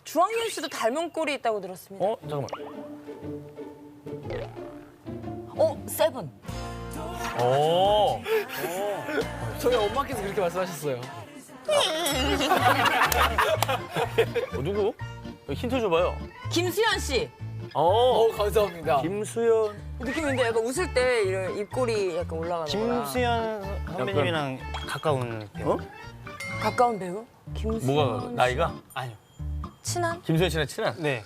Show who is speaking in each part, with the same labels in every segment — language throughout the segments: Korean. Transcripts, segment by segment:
Speaker 1: 주황윤 씨도 닮은 꼴이 있다고 들었습니다.
Speaker 2: 잠깐만.
Speaker 1: 세븐.
Speaker 3: 저희 엄마께서 그렇게 말씀하셨어요.
Speaker 2: 누구? 힌트 줘봐요.
Speaker 1: 김수현 씨.
Speaker 3: 감사합니다.
Speaker 2: 김수현.
Speaker 1: 느낌인데 약간 웃을 때 이런 입꼬리 약간 올라가는 거라.
Speaker 4: 김수현 선배님이랑 가까운 배우.
Speaker 1: 가까운 배우? 김수현
Speaker 2: 뭐가
Speaker 1: 씨.
Speaker 2: 나이가?
Speaker 4: 아니요.
Speaker 1: 친한?
Speaker 2: 김수현 씨랑 친한?
Speaker 4: 네.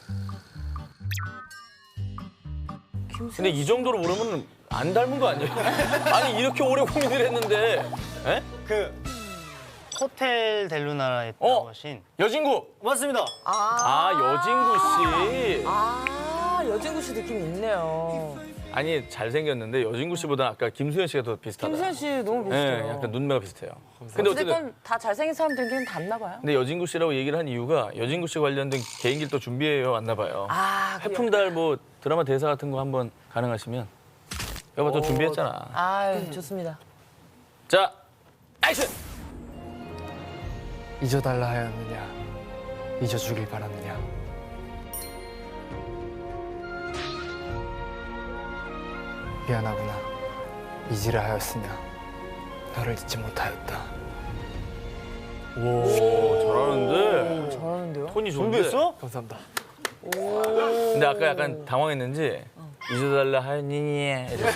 Speaker 1: 김수현
Speaker 2: 근데 이 정도로 모르면 안 닮은 거 아니에요? 아니 이렇게 오래 고민을 했는데. 에?
Speaker 4: 그 호텔 델루나라에 나오신
Speaker 2: 여진구.
Speaker 4: 맞습니다.
Speaker 2: 여진구 씨.
Speaker 1: 여진구 씨 느낌이 있네요.
Speaker 2: 아니 잘생겼는데 여진구 씨보다 아까 김수현 씨가 더 비슷하다.
Speaker 1: 김수현 씨 너무 비슷해요.
Speaker 2: 네, 약간 눈매가 비슷해요. 근데 어쨌든
Speaker 1: 어쨌든 다 잘생긴 사람들끼리는 닮나 봐요.
Speaker 2: 근데 여진구 씨라고 얘기를 한 이유가 여진구 씨 관련된 개인기를 또 준비해 왔나 봐요. 해풍달 뭐 드라마 대사 같은 거 한번 가능하시면 여봐 또 준비했잖아.
Speaker 1: 좋습니다.
Speaker 2: 자, 액션!
Speaker 3: 잊어달라 하였느냐, 잊어주길 바랐느냐. 미안하구나, 잊으려 하였으나 너를 잊지 못하였다.
Speaker 2: 오, 잘하는데
Speaker 1: 잘하는데요?
Speaker 2: 톤이 좋은데.
Speaker 4: 준비했어?
Speaker 3: 감사합니다.
Speaker 2: 근데 아까 약간 당황했는지 잊어달라 하였느니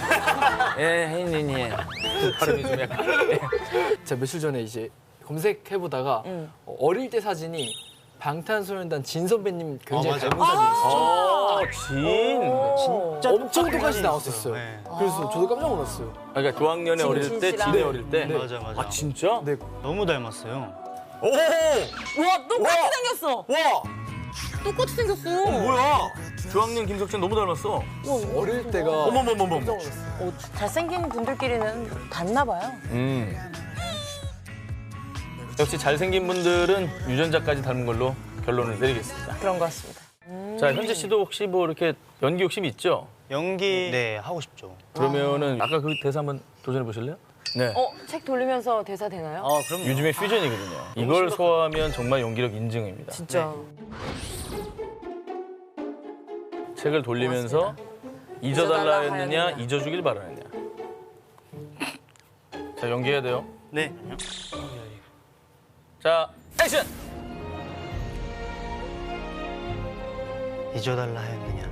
Speaker 2: 하였느니 발음이 좀 약간
Speaker 3: 제가 며칠 전에 이제 검색해보다가 어릴 때 사진이 방탄소년단 진 선배님 굉장히
Speaker 4: 맞아.
Speaker 3: 닮은 사진이 있어요.
Speaker 2: 진.
Speaker 4: 진짜
Speaker 3: 엄청 똑같이
Speaker 4: 있어요.
Speaker 3: 나왔었어요.
Speaker 4: 네.
Speaker 3: 그래서 저도 깜짝 놀랐어요.
Speaker 2: 그러니까 조학년에
Speaker 1: 진
Speaker 2: 어릴 때,
Speaker 1: 씨랑.
Speaker 2: 진에 어릴 때.
Speaker 4: 맞아.
Speaker 2: 아 진짜?
Speaker 3: 네,
Speaker 4: 너무 닮았어요.
Speaker 2: 오!
Speaker 1: 와, 똑같이 생겼어.
Speaker 2: 와!
Speaker 1: 똑같이 생겼어.
Speaker 2: 뭐야? 조학년 김석진 너무 닮았어.
Speaker 3: 어릴 때가
Speaker 2: 어머머머머.
Speaker 3: 깜짝 놀랐어요.
Speaker 1: 잘생긴 분들끼리는 닮나 봐요.
Speaker 2: 역시 잘생긴 분들은 유전자까지 닮은 걸로 결론을 내리겠습니다.
Speaker 1: 그런 것 같습니다.
Speaker 2: 자, 현재 씨도 혹시 뭐 이렇게 연기 욕심이 있죠?
Speaker 4: 연기 네 하고 싶죠.
Speaker 2: 그러면은 아까 그 대사 한번 도전해 보실래요? 네.
Speaker 1: 책 돌리면서 대사 되나요?
Speaker 4: 그럼요.
Speaker 2: 요즘에 퓨전이거든요. 이걸 소화하면 정말 연기력 인증입니다.
Speaker 1: 진짜.
Speaker 2: 책을 돌리면서 잊어달라 했느냐, 잊어주길 바라느냐. 자, 연기해야 돼요.
Speaker 4: 네.
Speaker 2: 자, 액션!
Speaker 4: 잊어달라 하였느냐.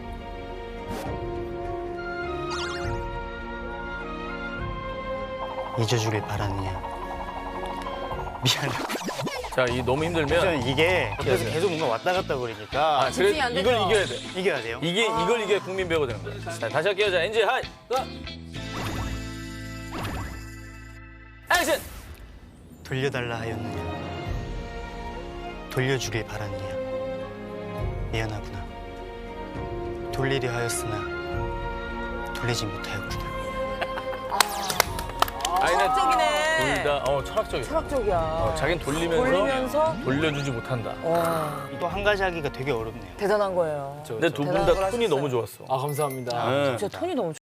Speaker 4: 잊어주길 바라느냐. 미안해.
Speaker 2: 자, 이 너무 힘들면
Speaker 4: 저는 이게
Speaker 2: 어떻게
Speaker 4: 옆에서
Speaker 2: 하세요?
Speaker 4: 계속 뭔가 왔다 갔다 그러니까
Speaker 2: 그래
Speaker 1: 집중이 안
Speaker 2: 이걸
Speaker 1: 되죠?
Speaker 2: 이겨야 돼.
Speaker 4: 이겨야 돼요.
Speaker 2: 이걸 이겨야 국민 배우가 되는 거야. 자, 다시 할게요. 자, 엔지 하이. 자. 액션!
Speaker 4: 돌려달라 하였느냐. 돌려주길 바랐느냐. 미안하구나. 돌리려 하였으나 돌리지 못하였구나.
Speaker 1: 철학적이네.
Speaker 2: 둘 다 철학적이야.
Speaker 1: 철학적이야.
Speaker 2: 자기는
Speaker 1: 돌리면서
Speaker 2: 돌려주지 못한다.
Speaker 4: 또 한 가지 하기가 되게 어렵네요.
Speaker 1: 대단한 거예요.
Speaker 2: 근데 두 분
Speaker 1: 대단한
Speaker 2: 다
Speaker 1: 걸
Speaker 2: 톤이
Speaker 1: 하셨어요.
Speaker 2: 너무 좋았어.
Speaker 3: 감사합니다.
Speaker 2: 네.
Speaker 1: 진짜 톤이 너무